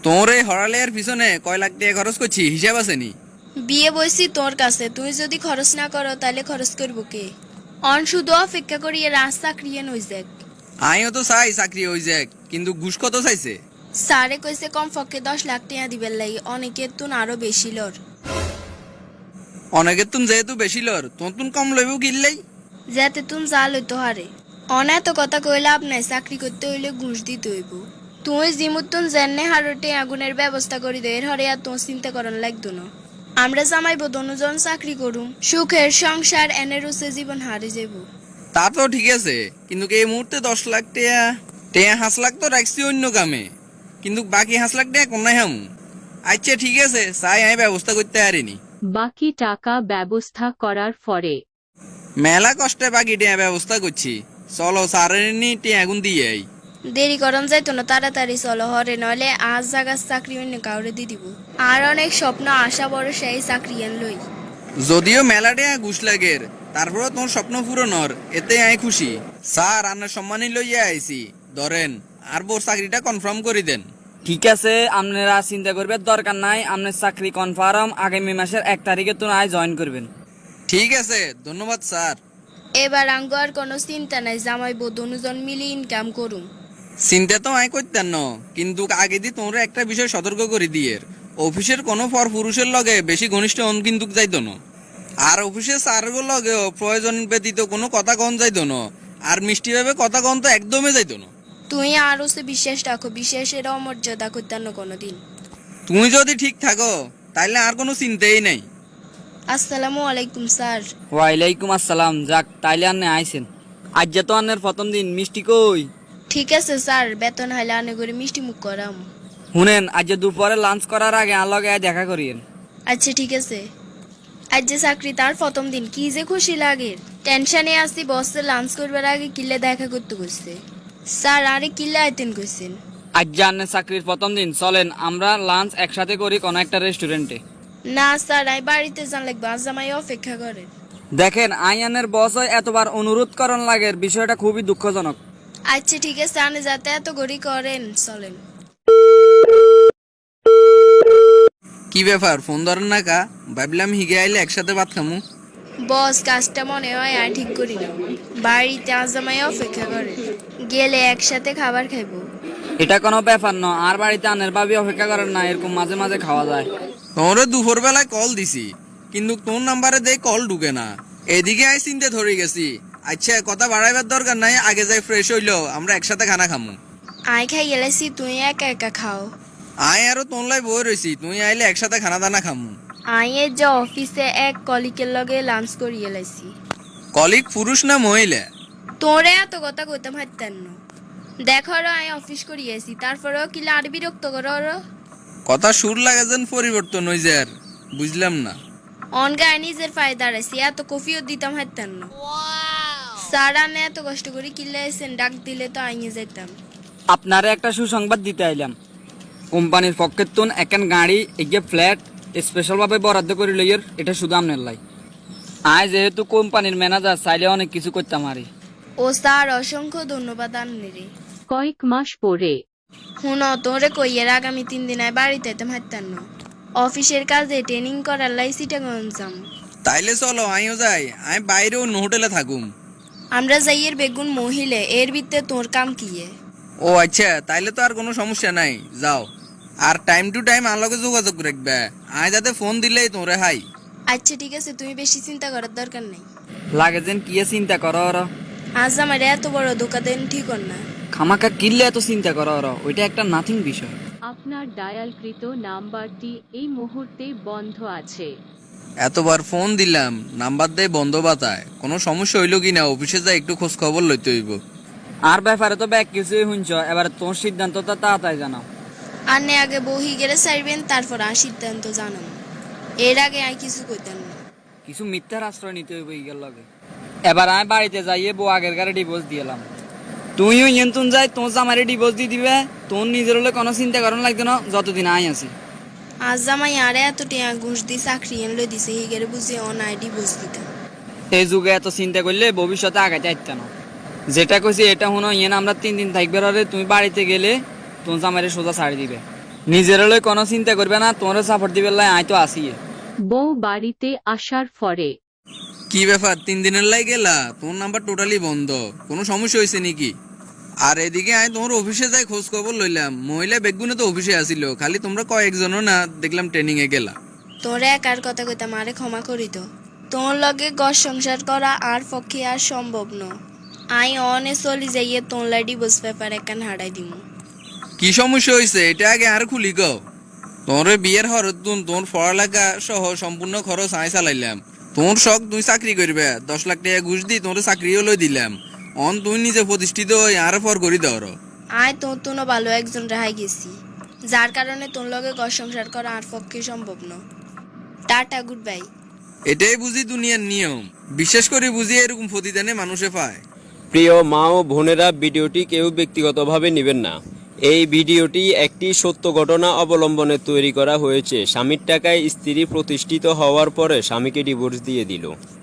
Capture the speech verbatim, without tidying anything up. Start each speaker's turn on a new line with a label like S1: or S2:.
S1: তোর এই হরালের পিছনে কয় লাখ টাকা খরচ করছি হিসাব আছে নি?
S2: বিয়ে বইছি তোর কাছে, তুই যদি খরচ না করো তাহলে খরচ করবো কে? অন শুধু অপেক্ষা করি এ রাস্তা ক্রিয়ে নই যাক।
S1: আমিও তো চাই চাকরি হয়ে যাক, কিন্তু ঘুষ কত চাইছে?
S2: স্যারে কইছে কমপক্ষে দশ লাখ টাকা দিবেন লাগি, অনেকের তুন আরো বেশি লর।
S1: অনেকের তুন যেহেতু বেশি লর, তোর তুন কম লইব কিনলেই।
S2: যাতে তুন যা লইতো হারে অন এত কথা কই লাভ নাই, চাকরি করতে হইলে ঘুষ দিতে হইব। তুই জিমুতুন জেনে হারটে আগুনের ব্যবস্থা করি দে, এর হরে আর তোর চিন্তা করন লাগতো না। আমরা জামাইব দনুজন চাকরি করুম, সুখের সংসার এনে রুসে জীবন হারে যাব।
S1: তা তো ঠিক আছে, কিন্তু এই মুহূর্তে দশ লাখ টাকা টাকা হাঁস লাখ তো রাখছি অন্য কামে, কিন্তু বাকি হাঁস লাখ টাকা কোনায় হামু? আচ্ছা ঠিক আছে, চাই আমি ব্যবস্থা করতে পারিনি।
S3: বাকি টাকা ব্যবস্থা করার পরে
S1: মেলা কষ্টে বাকি টাকা ব্যবস্থা করছি, চলো সারের নি টাকা গুন দিয়ে আই।
S2: দেরি করন যাইতো না, তাড়াতাড়ি চলো হরে, নইলে আজ জাগার চাকরি অন্য কাউরে দি দিব। আর অনেক স্বপ্ন আশা বড় সেই চাকরি এন লই।
S1: যদিও মেলা টাকা ঘুষ লাগের, তারপরে তোর স্বপ্ন পূরণ হর, এতে আমি খুশি। স্যার আপনার সম্মানই লইয়া আইছি, ধরেন আর বোর চাকরিটা কনফার্ম করে দেন।
S4: ঠিক আছে, আপনারা চিন্তা করবেন দরকার নাই। আপনার চাকরি কনফার্ম, আগামী মাসের এক তারিখে তো আয় জয়েন করবেন।
S1: ঠিক আছে, ধন্যবাদ স্যার।
S2: এবার আঙ্গ আর কোনো চিন্তা নাই, জামাইবো দনুজন মিলে ইনকাম করুম।
S1: চিন্তা তো আমি করতেন না, কিন্তু আগে দিয়ে তোমরা একটা বিষয় সতর্ক করে দিয়ে, অফিসের কোনো পর পুরুষের লগে বেশি ঘনিষ্ঠ হন কিন্তু যাইতো না। আর অফিসের স্যারগুলো লগেও প্রয়োজন ব্যতীত কোনো কথা কন যাইতো না, আর মিষ্টি ভাবে কথা কন তো একদমই যাইতো না।
S2: তুই আর ওসে বিশ্বাস রাখো, বিশ্বাসের অমর্যাদা করতেন না কোনোদিন।
S1: তুমি যদি ঠিক থাকো তাইলে আর কোনো চিন্তাই নাই।
S2: আসসালামু আলাইকুম স্যার।
S4: ওয়ালাইকুম আসসালাম। যাক, তাইলে আন্নে আইছেন। আজ যে তো আন্নের প্রথম দিন, মিষ্টি কই?
S2: ঠিক আছে স্যার, বেতন হাইলে আনে করে মিষ্টি মুখ করাম।
S4: শুনেন, আজ যে দুপুরে লাঞ্চ করার আগে আর লগে আয় দেখা করিয়েন।
S2: আচ্ছা ঠিক আছে। আজ যে চাকরি তার প্রথম দিন, কি যে খুশি লাগে। টেনশনে আসি, বসে লাঞ্চ করবার আগে কিল্লে দেখা করতে কইছে। স্যার আরে কিল্লে আইতেন কইছেন?
S4: আজ যে আন্নের চাকরির প্রথম দিন, চলেন আমরা লাঞ্চ একসাথে করি কোনো একটা রেস্টুরেন্টে।
S2: না স্যার, আমি বাড়িতে যান লাগবে, আজ জামাই অপেক্ষা করেন।
S4: দেখেন, আইয়ানের বস হয় এতবার অনুরোধ করন লাগে, বিষয়টা খুবই দুঃখজনক।
S2: আচ্ছা ঠিক আছে, আনে যাতে এত গড়ি করেন, চলেন।
S1: কি ব্যাপার, ফোন ধরেন না কা? ভাবলাম হিগে আইলে একসাথে ভাত খামু।
S2: বস কাজটা মনে হয় আর ঠিক করি না, বাড়িতে আজ জামাই অপেক্ষা করে, গেলে একসাথে খাবার খাইবো।
S4: এটা কোনো ব্যাপার না, আর বাড়িতে আন্নের ভাবি অপেক্ষা করেন না, এরকম মাঝে মাঝে খাওয়া যায়।
S1: তোরে দুপুর বেলায় কল দিছি, কিন্তু তোর নাম্বারে দেই কল ঢুকে না। এদিকে আই চিনতে ধরে গেছি। আচ্ছা কথা বাড়াইবার দরকার নাই, আগে যাই ফ্রেশ হইলো আমরা একসাথে খানা খামু।
S2: আই খাই গেলেছি, তুই একা একা খাও।
S1: আয় আরো তোনলাই বই রইছি, তুই আইলে একসাথে খানা দানা খামু।
S2: আই এর যে অফিসে এক কলিকের লগে লাঞ্চ করিয়ে লাইছি।
S1: কলিগ পুরুষ না মহিলা?
S2: তোরে এত কথা কইতাম হাইতেন না। দেখো আই অফিস করিয়েছি, তারপরেও কিলা আর বিরক্ত করো।
S1: কথা সুর লাগে যেন পরিবর্তন হয়ে যায়, আর বুঝলাম না।
S2: অনগায় নিজের ফায়দা রাখছি, এত কফিও দিতাম হাইতেন না। স্যার আনে এত কষ্ট করে কিল্লে এসেন, ডাক দিলে তো আইয়ে যেতাম।
S4: আপনারে একটা সুসংবাদ দিতে আইলাম। কোম্পানির পক্ষের তুন একখান গাড়ি এগিয়ে ফ্ল্যাট স্পেশাল ভাবে বরাদ্দ করে লইয়ের, এটা শুধু আপনার লাই। আয় যেহেতু কোম্পানির ম্যানেজার, চাইলে অনেক কিছু করতাম আরে।
S2: ও স্যার অসংখ্য ধন্যবাদ আনলে।
S3: কয়েক মাস পরে
S2: হুন তোরে কইয়ের আগামী তিন দিন আয় বাড়িতে যেতাম হাইতেন না, অফিসের কাজে ট্রেনিং করার লাই সিটাগঞ্জ যাম।
S1: তাইলে চলো আমিও যাই, আমি বাইরেও অন্য হোটেলে থাকুম।
S2: আমরা যাইয়ের বেগুন মহিলে, এর ভিতরে তোর কাম কি?
S1: ও আচ্ছা, তাইলে তো আর কোনো সমস্যা নাই, যাও। আর টাইম টু টাইম আমার লগে যোগাযোগ রাখবে, আমি যাতে ফোন দিলেই তোরে হাই।
S2: আচ্ছা ঠিক আছে, তুমি বেশি চিন্তা করার দরকার নাই।
S4: লাগে যেন কি চিন্তা করো ওরা।
S2: আজ আমার এত বড় ধোকা দেন ঠিক না।
S4: খামাকা কিনলে এত চিন্তা করো ওরা, ওইটা একটা নাথিং বিষয়।
S3: আপনার ডায়ালকৃত নাম্বারটি এই মুহূর্তে বন্ধ আছে।
S1: এতবার ফোন দিলাম, নাম্বার দেয় বন্ধ বাতায়। কোনো সমস্যা হইলো কিনা অফিসে যাই একটু খোঁজ খবর লইতে হইব।
S4: আর ব্যাপারে তো ব্যাগ কিছুই শুনছ, এবার তোর সিদ্ধান্ত তো তাড়াতাড়ি জানাও।
S2: আর নে আগে বহি গেলে চাইবেন, তারপর আর সিদ্ধান্ত জানান। এর আগে আর কিছু কইতেন না।
S4: কিছু মিথ্যার আশ্রয় নিতে হইব ইগের লগে। এবার আমি বাড়িতে যাইয়ে বউ আগের গাড়ি ডিভোর্স দিয়েলাম। তুইও ইয়েন্তুন যাই তোর জামারে ডিভোর্স দিয়ে দিবে, তোর নিজের হলে কোনো চিন্তা করার লাগতো না যতদিন আই আছি।
S2: আজ জামাই আরে এত টিয়া ঘুষ দি চাকরি এনলো দিছে, হিগের বুঝে অন আইডি বুঝ দিতাম।
S4: এই যুগে এত চিন্তা করলে ভবিষ্যতে আগাতে আসতে না। যেটা কইছি এটা শুনো, ইয়েন আমরা তিন দিন থাকবে রে, তুমি বাড়িতে গেলে তোর জামারে সোজা ছাড়ি দিবে। নিজের লই কোনো চিন্তা করবে না, তোমার সাপোর্ট দিবে লাই আই তো আসি।
S3: বউ বাড়িতে আসার পরে
S1: কি ব্যাপার, তিন দিনের লাই গেলা? তোর নাম্বার টোটালি বন্ধ, কোনো সমস্যা হয়েছে নাকি? আর এদিকে আমি তোমার অফিসে যাই খোঁজ খবর লইলাম, মহিলা বেগুনে তো অফিসে আসিল, খালি তোমরা কয়েকজনও না দেখলাম ট্রেনিং এ গেলা।
S2: তোরে একার কথা কইতাম, আরে ক্ষমা করি তো। তোর লগে ঘর সংসার করা আর পক্ষে আর সম্ভব ন। আই অনে চলি যাইয়ে তোর লাই ডিভোর্স পেপার একান হারাই দিমু।
S1: কি সমস্যা হয়েছে এটা আগে আর খুলি গো। তোর বিয়ের হরতুন তোর পড়ালেখা সহ সম্পূর্ণ খরচ আই চালাইলাম। তোর শখ তুই চাকরি করবে, দশ লাখ টাকা ঘুষ দি তোর চাকরিও লই দিলাম। অন তুই নিজে প্রতিষ্ঠিত হই আর পর করি দর।
S2: আয় তোর তুনো ভালো একজন রেহাই গেছি, যার কারণে তোর লগে ঘর সংসার করা আর পক্ষে সম্ভব ন। Tata, good bye.
S1: এটাই বুঝি দুনিয়ার নিয়ম, বিশেষ করে বুঝি এরকম প্রতিদানে মানুষে পায়।
S5: প্রিয় মা ও বোনেরা, ভিডিওটি কেউ ব্যক্তিগতভাবে নেবেন না। এই ভিডিওটি একটি সত্য ঘটনা অবলম্বনে তৈরি করা হয়েছে। স্বামীর টাকায় স্ত্রী প্রতিষ্ঠিত হওয়ার পরে স্বামীকে ডিভোর্স দিয়ে দিল।